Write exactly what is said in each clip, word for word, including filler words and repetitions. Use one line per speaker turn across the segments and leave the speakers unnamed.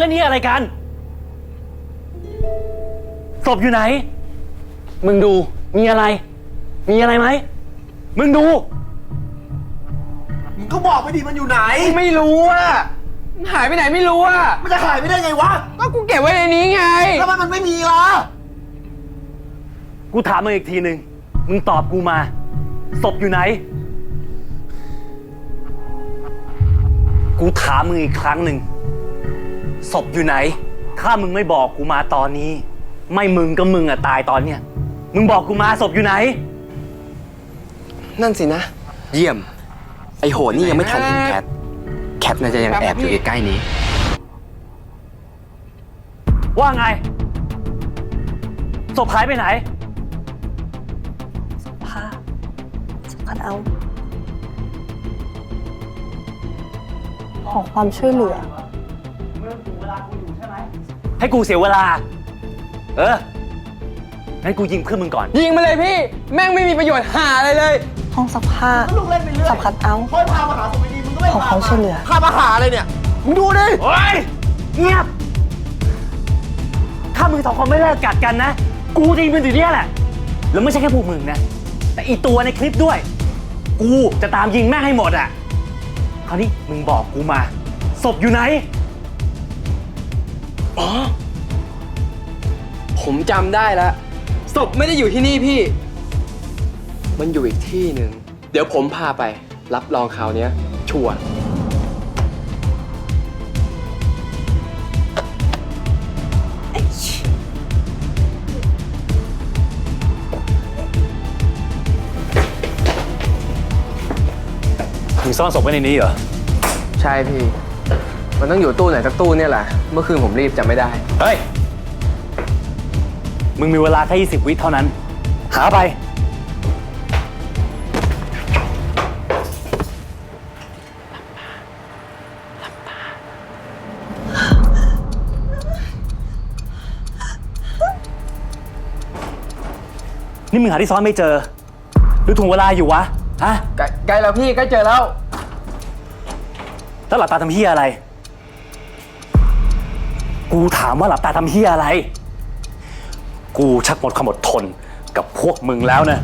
แล้วนี่อะไรกันศพอยู่ไหนมึงดูมีอะไรมีอะไรไหมมึงดู
มึงก็บอกไปดิมันอยู่ไหน
ไม่รู้อ่ะหายไปไหนไม่รู้อ่ะ
มันจะหายไปได้ไงวะ
ก็กูเก็บไว้ในนี้ไง
แล้วมันไม่มีล่ะ
กูถามมึงอีกทีหนึ่งมึงตอบกูมาศพอยู่ไหนกูถามมึงอีกครั้งหนึ่งศพอยู่ไหนถ้ามึงไม่บอกกูมาตอนนี้ไม่มึงก็มึงอะตายตอนเนี้ยมึงบอกกูมาศพอยู่ไหน
นั่นสินะเยี่ยมไอโหนี่ยังไม่ทันเห็นแคทแคทน่าจะยังแอบอยู่ใกล้ๆนี้
ว่าไงศพหายไปไหน
ศพผ้าศพคัดเอาขอความช่วยเหลือ
ให้กูเสียเวลาเอองั้นกูยิงเพื่อนมึงก่อน
ยิงมาเลยพี่แม่งไม่มีประโยชน์หาอะไรเลย
ห้องซักผ้าศพคัดเอา
คอยพามาหาศพดีมึงก็ไม่
ขอความช่วยเหลือ
พามาหาอะไรเนี่ยมึงดูดิ
โอ๊ยเงียบถ้ามึงสองคนไม่เลิกกัดกันนะกูจะยิงมึงอยู่เนี่ยแหละแล้วไม่ใช่แค่พวกมึงนะแต่อีตัวในคลิปด้วยกูจะตามยิงแม่งให้หมดอ่ะคราวนี้มึงบอกกูมาศพอยู่ไหน
อ๋อผมจำได้แล้วศพไม่ได้อยู่ที่นี่พี่มันอยู่อีกที่หนึ่งเดี๋ยวผมพาไปรับรองคราวนี้ชัวร์
มึงซ่อนศพไว้ในนี้เหรอ
ใช่พี่มันต้องอยู่ตู้ไหนสักตู้เนี่ยแหละเมื่อคืนผมรีบจำไม่ได้
เฮ้ยมึงมีเวลาแค่ยี่สิบวิเท่านั้นหาไปนี่มึงหาที่ซ้อนไม่เจอหรือถ่วงเวลาอยู่วะฮะ
ใกล้แล้วพี่ใกล้เจอแล้ว
แล้วหลับตาทำเหี้ยอะไรกูถามว่าหลับตาทำเหี้ยอะไรกูชักหมดความอดทนกับพวกมึงแล้วนะ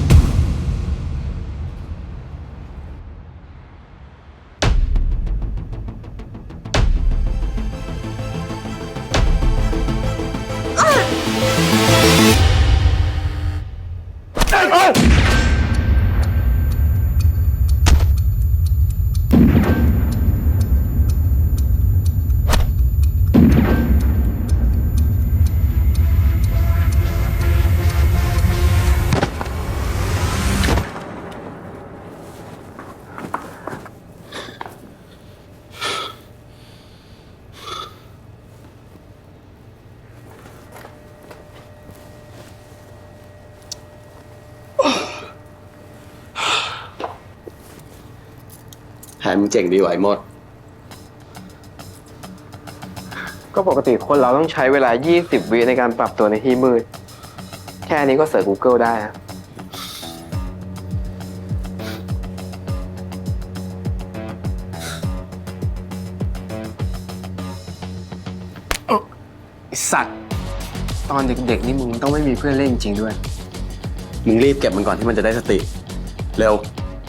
แผนมึงเจ๋งดีไหวหมดก็ปกติคนเราต้องใช้เวลายี่สิบวิในการปรับตัวในที่มืดแค่นี้ก็เสิร์ช Google ได้นะไอ้สัตว์ตอนเด็กๆนี่มึงต้องไม่มีเพื่อนเล่นจริงด้วยมึงรีบเก็บมันก่อนที่มันจะได้สติเร็ว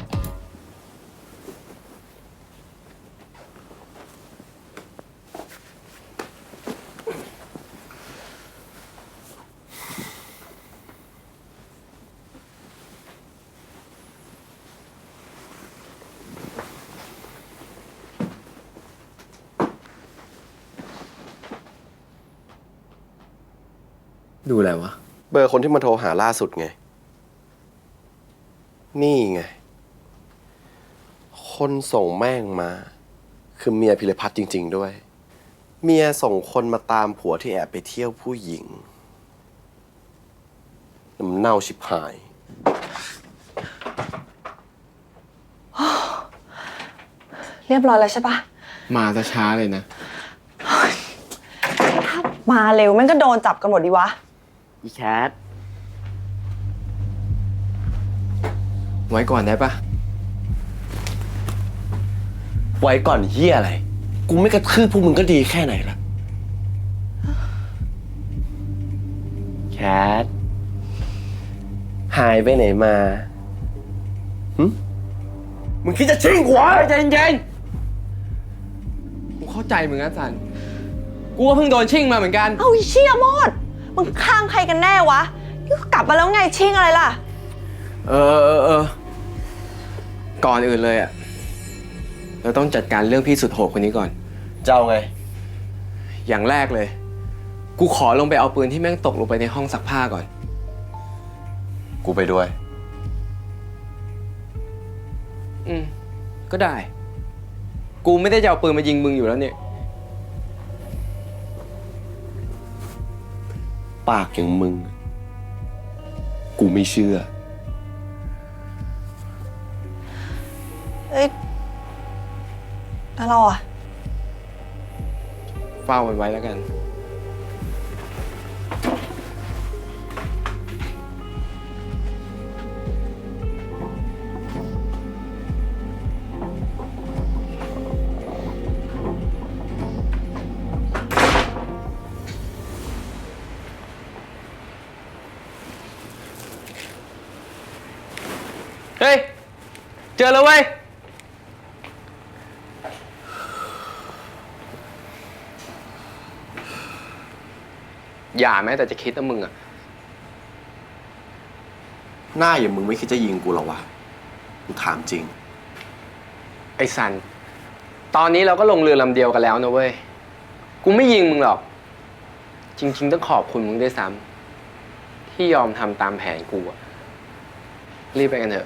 ดูอะไรวะ
เบอร์คนที่มาโทรหาล่าสุดไงนี่ไงคนส่งแม่งมาคือเมียพิรพัฒน์จริงๆด้วยเมียส่งคนมาตามผัวที่แอบไปเที่ยวผู้หญิงน้ำเน่าชิบหาย
เรียบร้อยแล้วใช่ปะ
มาซะช้าเลยนะ
ถ้ามาเร็วแม่งก็โดนจับกันหมดดีวะ
อีแคท
ไว้ก่อนได้ปะ
ไว้ก่อนเฮียอะไรกูไม่กระทืบพวกมึงก็ดีแค่ไหนละท หายไปไหนมาหึมึงคิดจะชิงหัว
ใจเย็นๆกูเข้าใจมึงนะซัน กูก็เพิ่งโดนชิ่งมาเหมือนกัน
เอาไอ้เชี่ยโมด มึงข้างใครกันแน่วะ นี่ก็กลับมาแล้วไงชิงอะไรล่ะ
เออเออเออ ก่อนอื่นเลยอะเราต้องจัดการเรื่องพี่สุดโหดคนนี้ก่อน
เจ้าไง
อย่างแรกเลย กูขอลงไปเอาปืนที่แม่งตกลงไปในห้องซักผ้าก่อน
กูไปด้วย
อืม ก็ได้ กูไม่ได้จะเอาปืนมายิงมึงอยู่แล้วเนี่ย
ปากอย่างมึง กูไม่เชื่อ
เอ้ย แล้วเราอะ
เฝ้ามันไว้แล้วกัน เฮ้ย เจอแล้วเว้ย อย่าแม้แต่จะคิดนะมึงอะ
หน้าอย่างมึงไม่คิดจะยิงกูหรอวะ กูถามจริง
ไอ้สัน ตอนนี้เราก็ลงเรือลำเดียวกันแล้วนะเว้ย กูไม่ยิงมึงหรอก จริง ๆ ต้องขอบคุณมึงด้วยซ้ำที่ยอมทำตามแผนกูอะรีบไปกันเถอะ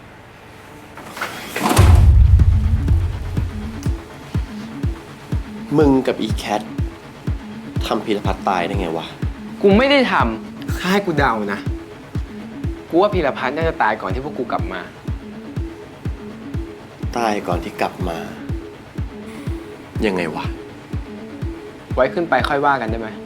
มึงกับอีแคททำพีรพัฒน์ตายได้ไงวะ
กูไม่ได้ทำค่าให้กูเดานะ กูว่าพีรพัฒน์น่าจะตายก่อนที่พวกกูกลับมา
ตายก่อนที่กลับมา ยังไงวะ
ไว้ขึ้นไปค่อยว่ากันได้ไหม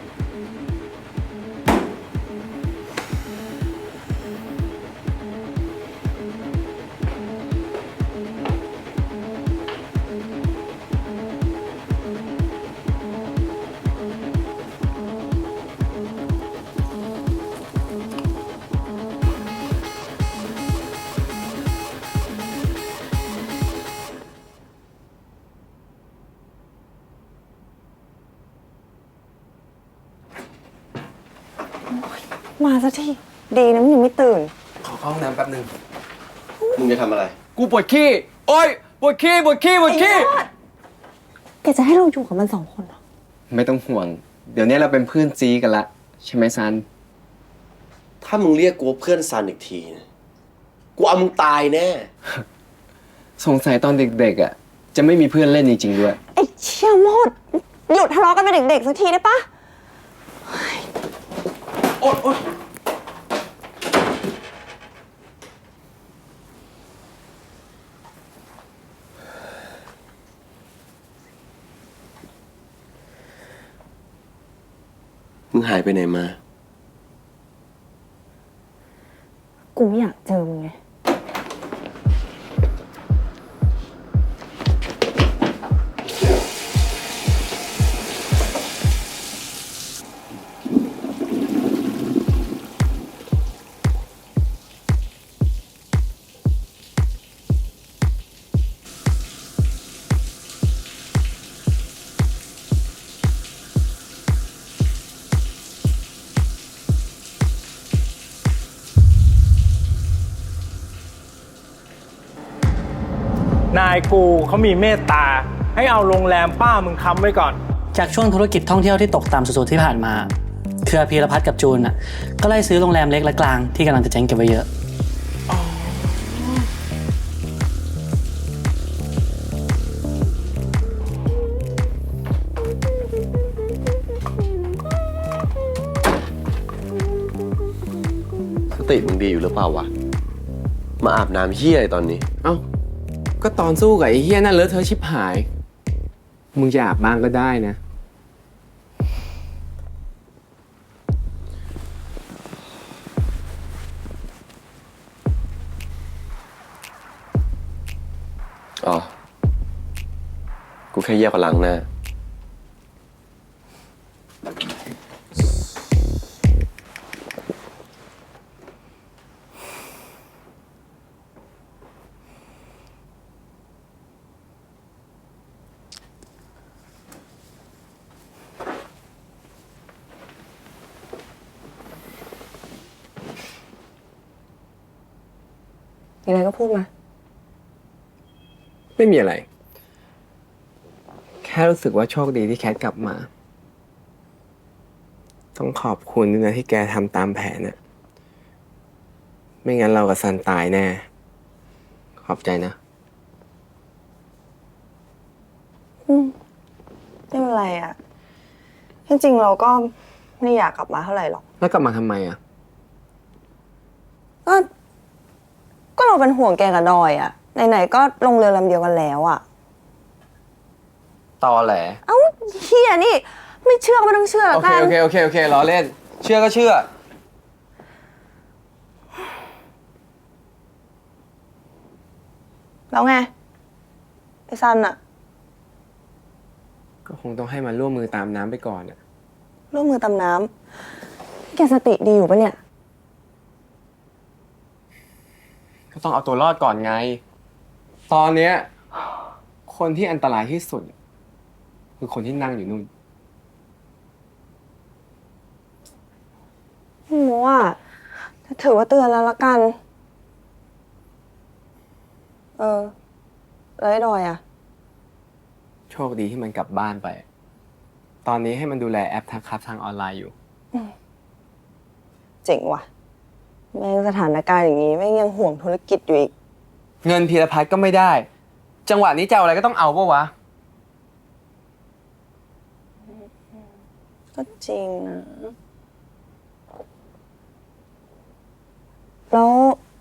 มาสักที ดีนะมึงยังไม่ตื่น
ขอเข้าห้องน้ำแป๊บนึง
มึงจะทำอะไร
กูปวดขี้ โอ๊ย ปวดขี้ ปวดขี้ ปวดขี้
แกจะให้เราอยู่กับมันสองคนเหรอ
ไม่ต้องห่วง เดี๋ยวนี้เราเป็นเพื่อนซีกันละ ใช่ไหมซัน
ถ้ามึงเรียกกูว่าเพื่อนซันอีกทีนะกูเอามึงตายแน่
สงสัยตอนเด็กๆอ่ะ จะไม่มีเพื่อนเล่นจริงๆด้วย
ไอ้เชี่ยโมด หยุดทะเลาะกันเป็นเด็กๆสักทีได้ปะ
โอ๊ยโอ๊ย
มึงหายไปไหนมา
กูไม่อยากเจอมึงไง
นายกูเขามีเมตตา ให้เอาโรงแรมป้ามึงค้ำไว้ก่อน
จากช่วงธุรกิจท่องเที่ยวที่ตกต่ำสุดๆที่ผ่านมาเครือพีรพัฒน์กับจูนน่ะก็ไล่ซื้อโรงแรมเล็กและกลางที่กำลังจะเจ๊งเก็บไว้เยอะ
สติมึงดีอยู่หรือเปล่าวะ มาอาบน้ำเหี้ยอะไรตอนนี้
เอ้า ก็ตอนสู้กับไอ้เฮี้ยนั่นเลอะเทอะชิบหาย มึงจะอาบบ้างก็ได้นะ
อ๋อ กูแค่เยี่ยวกับล้างหน้า
เ
มีอะไรก็พูดมา
ไม่มีอะไร แค่รู้สึกว่าโชคดีที่แคทกลับมา ต้องขอบคุณด้วยนะที่แกทำตามแผนน่ะ ไม่งั้นเรากับซันตายแน่ ขอบใจนะ
อืมไม่เป็นไรอะจริงๆเราก็ไม่อยากกลับมาเท่าไหร่หรอก
แล้วกลับมาทำไมอ่ะ
ก็ ก็เราเป็นห่วงแกกับดอยอะไหนๆก็ลงเรือลำเดียวกันแล้วอะ
ตอแหล
เอ้าเฮียนี่ ไม่เชื่อก็ไม่ต้องเชื่อ
โอ
แล้ว
เค
กัน
โอเค โอเค โอเคล้อเล่น เชื่อก็เชื่อ
แล้วไงไอ้ซันอะ
ก็คงต้องให้มันร่วมมือตามน้ำไปก่อนอ่ะ
ร่วมมือตำน้ำแกสติดีอยู่ปะเนี่ย
ก็ต้องเอาตัวรอดก่อนไง ตอนเนี้ย คนที่อันตรายที่สุด คือคนที่นั่งอยู่นู่น
ไม่รู้อ่ะถือว่าเตือนแล้วละกัน เออ แล้วไอ้ดอยอ่ะ
โชคดีที่มันกลับบ้านไป ตอนนี้ให้มันดูแลแอปทักครับทางออนไลน์อยู่
เจ๋งว่ะ แม่งสถานการณ์อย่างนี้แม่งยังห่วงธุรกิจอยู่อีก
เงินพีรพัฒน์ก็ไม่ได้ จังหวะนี้จะเอาอะไรก็ต้องเอาปะวะ
ก็จริงนะ แล้ว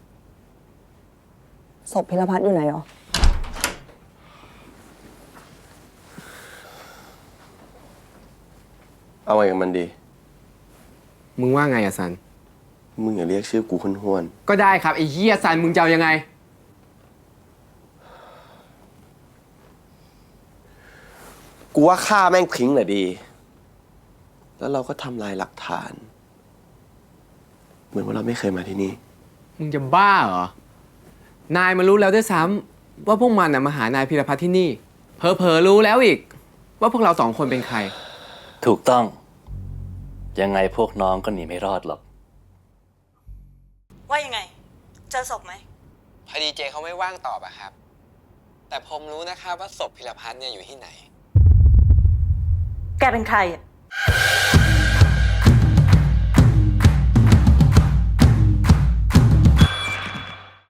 ศพพิรพัฒน์อยู่ไหนหรอ
เอาไงกับมันดี
มึงว่าไงอะซัน
มึงอย่าเรียกชื่อกูห้วน
ก็ได้ครับไอ้เหี้ยซันมึงจะเอายังไง
ๆกูว่าฆ่าแม่งทิ้งเลยดี แล้วเราก็ทำลายหลักฐาน เหมือนว่าเราไม่เคยมาที่นี่
มึงจะบ้าเหรอ นายมันรู้แล้วด้วยซ้ำว่าพวกมันน่ะมาหานายพีรพัฒน์ที่นี่ เผลอๆรู้แล้วอีก ว่าพวกเราสองคนเป็นใคร
ถูกต้อง ยังไงพวกน้องก็หนีไม่รอดหรอก
ว่ายังไง เจอศพไหม
พอดีเจเขาไม่ว่างตอบอะครับ แต่ผมรู้นะครับว่าศพพิรพัฒน์เนี่ยอยู่ที่ไหน
แกเป็นใครอ่ะ